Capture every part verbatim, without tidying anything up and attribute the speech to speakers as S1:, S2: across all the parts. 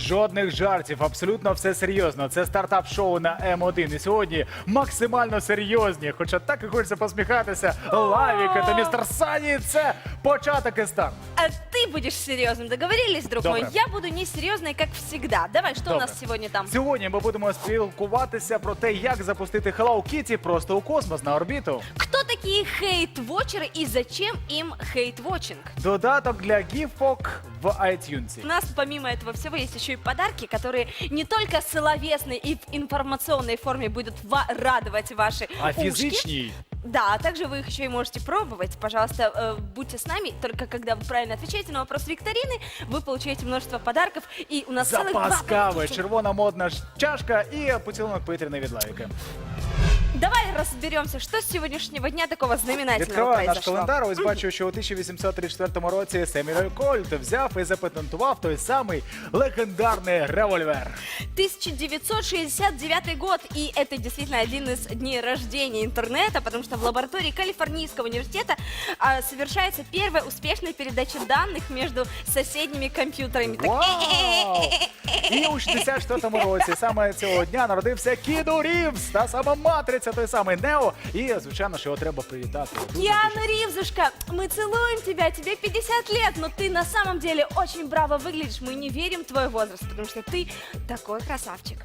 S1: Жодних жартів, абсолютно все серйозно. Це стартап-шоу на М один. І сьогодні максимально серйозні. Хоча так і хочеться посміхатися. Лавіка та містер Сані – це початок і старт.
S2: А ты будешь серьезным, договорились, друг
S1: Добре.
S2: мой? Я буду не серьезной, как всегда. Давай, что у
S1: Добре.
S2: нас сегодня там?
S1: Сьогодні ми будемо спілкуватися про те, як запустити Hello Kitty просто у космос на орбіту.
S2: Кто такие хейт-вотчеры и зачем им хейт-вотчинг?
S1: Додаток для гіфок в iTunes.
S2: У нас помимо этого всего есть еще и подарки, которые не только словесной и в информационной форме будут ва- радовать ваши
S1: А
S2: ушки.
S1: фізичній
S2: Да, а также вы их еще и можете пробовать. Пожалуйста, э, будьте с нами. Только когда вы правильно отвечаете на вопрос викторины, вы получаете множество подарков. И у нас целых два
S1: запас кави,
S2: пакетика.
S1: червона модна ж- чашка і поцілунок повітряний від Лавіки.
S2: Давай разберемся, что с сегодняшнего дня такого знаменательного
S1: Відкриваю наш
S2: произошло.
S1: календар. Ось бачу, що у тисяча вісімсот тридцять четвертому році Семюель Кольт взяв і запатентував той самий легендарний револьвер.
S2: тысяча девятьсот шестьдесят девятый год, и это действительно один из дней рождения интернета, потому что в лаборатории Калифорнийского университета а, совершается первая успешная передача данных между соседними компьютерами. Так,
S1: Вау! І у шістдесят четвертому році саме цього дня народився Кіну Рівз, та сама матриця, той самий Нео. І, звичайно, що його треба привітати. Дуже-дуже.
S2: Киану Ривзушка, мы целуем тебя, тебе пятьдесят лет, но ты на самом деле очень браво выглядишь, мы не верим в твой возраст, потому что ты такой красавчик.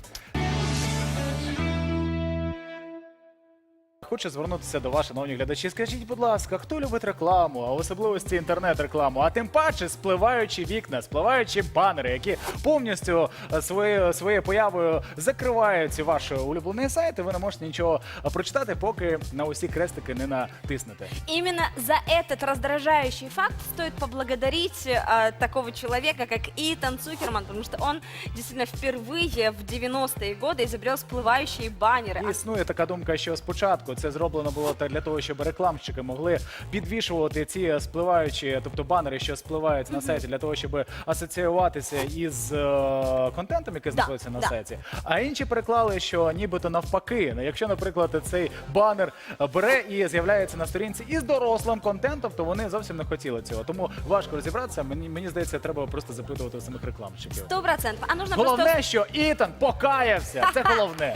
S1: Хочу звернутися до вас, шановні глядачі. Скажіть, будь ласка, хто любить рекламу, а в особливості інтернет-рекламу, а тим паче спливаючі вікна, спливаючі банери, які повністю е, своєю, своєю появою закривають ваш улюблений сайт, і ви не можете нічого е, прочитати, поки на усі крестики не натиснете.
S2: Именно за этот раздражающий факт стоит поблагодарить э, такого человека, как Итан Цукерман, потому что он действительно впервые в девяностые годы изобрел всплывающие баннеры.
S1: І існує така думка, що спочатку це зроблено було так для того, щоб рекламщики могли підвішувати ці спливаючі, тобто банери, що спливають на сайті, для того, щоб асоціюватися із е, контентом, який знаходиться на
S2: да.
S1: сайті. А інші переклали, що нібито навпаки. Якщо, наприклад, цей банер бере і з'являється на сторінці із дорослим контентом, то вони зовсім не хотіли цього. Тому важко розібратися. Мені, мені здається, треба просто запитувати у самих рекламщиків.
S2: Сто процентов. А нужно
S1: Головне,
S2: просто...
S1: що Ітан покаявся. Це головне.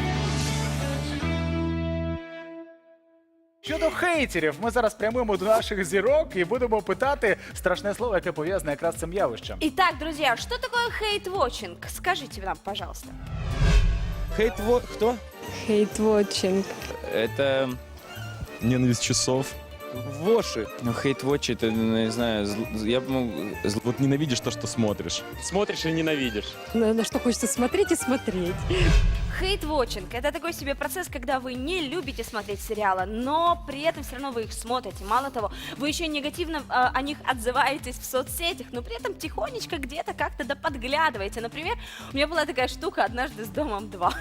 S1: Щодо хейтерів, ми зараз прямуємо до наших зірок і будемо питати страшне слово, яке пов'язане якраз з цим явищем.
S2: Итак, друзья, что такое хейт-вотчинг? Скажите нам, пожалуйста.
S3: Хейт-во... Кто?
S4: Хейт-вотчинг.
S5: Это
S3: Ненависть часов.
S5: воши. Ну, хейт-вотч, это, ну, не знаю, зл- я бы мог... зл-
S3: Вот ненавидишь то, что смотришь.
S5: Смотришь и ненавидишь.
S4: На, на что хочется смотреть и смотреть.
S2: Хейт-вотчинг – это такой себе процесс, когда вы не любите смотреть сериалы, но при этом все равно вы их смотрите. Мало того, вы еще негативно э, о них отзываетесь в соцсетях, но при этом тихонечко где-то как-то да подглядываете. Например, у меня была такая штука однажды с «Домом два».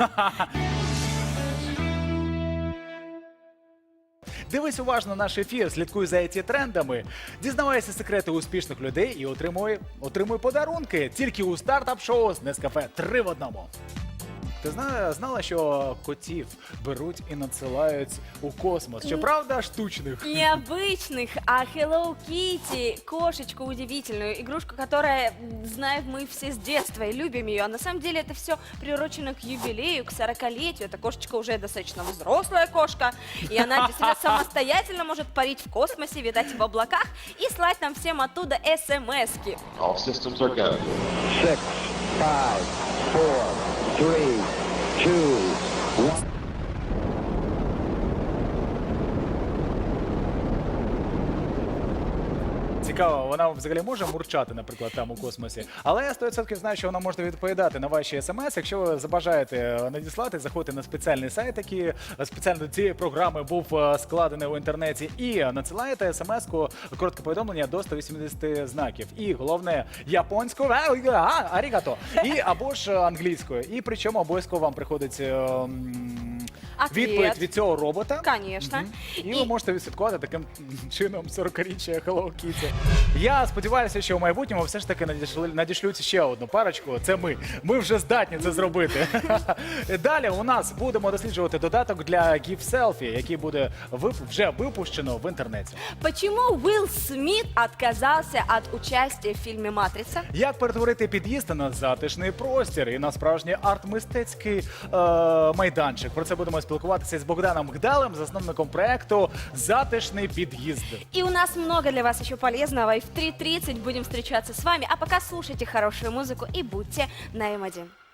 S1: Дивись уважно наш ефір, слідкуй за ай ті-трендами, дізнавайся секрети успішних людей і отримуй, отримуй подарунки тільки у стартап-шоу з Нескафе три в одному. Ти знала, знала, що котів беруть і надсилають у космос? Щоправда, штучних.
S2: Необычных, а Hello Kitty, кошечку удивительную, игрушку, которая, м, знаем мы все с детства и любим ее. А на самом деле это все приурочено к юбилею, к сорокалетию. Эта кошечка уже достаточно взрослая кошка, и она действительно самостоятельно может парить в космосе, витать в облаках и слать нам всем оттуда смс-ки.
S6: All systems are go.
S7: Six, five, four, three, two, one.
S1: Цікаво, вона взагалі може мурчати, наприклад, там у космосі. Але я сто відсотків знаю, що вона може відповідати на ваші смс. Якщо ви забажаєте надіслати, заходьте на спеціальний сайт, який спеціально до цієї програми був е, складений у інтернеті, і надсилаєте смс-ку, коротке повідомлення до сто вісімдесят знаків. І головне японською, а, арігато, і або ж англійською. І причому обов'язково вам приходить е, м,
S2: Ответ.
S1: відповідь від цього робота.
S2: Конечно.
S1: І ви можете відслідкувати таким чином сорокаріччя Hello Kitty. Я сподіваюся, що в майбутньому все ж таки надійшли, надішлють ще одну парочку. Це ми. Ми вже здатні це зробити. Далі у нас будемо досліджувати додаток для Give Selfie, який буде вип- вже випущено в інтернеті.
S2: Почему Уилл Смит отказался от участия в фильме «Матрица»?
S1: Як перетворити під'їзд на затишний простір і на справжній арт-мистецький е, майданчик? Про це будемо спілкуватися з Богданом Гдалем, засновником проекту «Затишний під'їзд».
S2: И у нас много для вас еще полезного. И в три тридцать будем встречаться с вами. А пока слушайте хорошую музыку и будьте на эм один.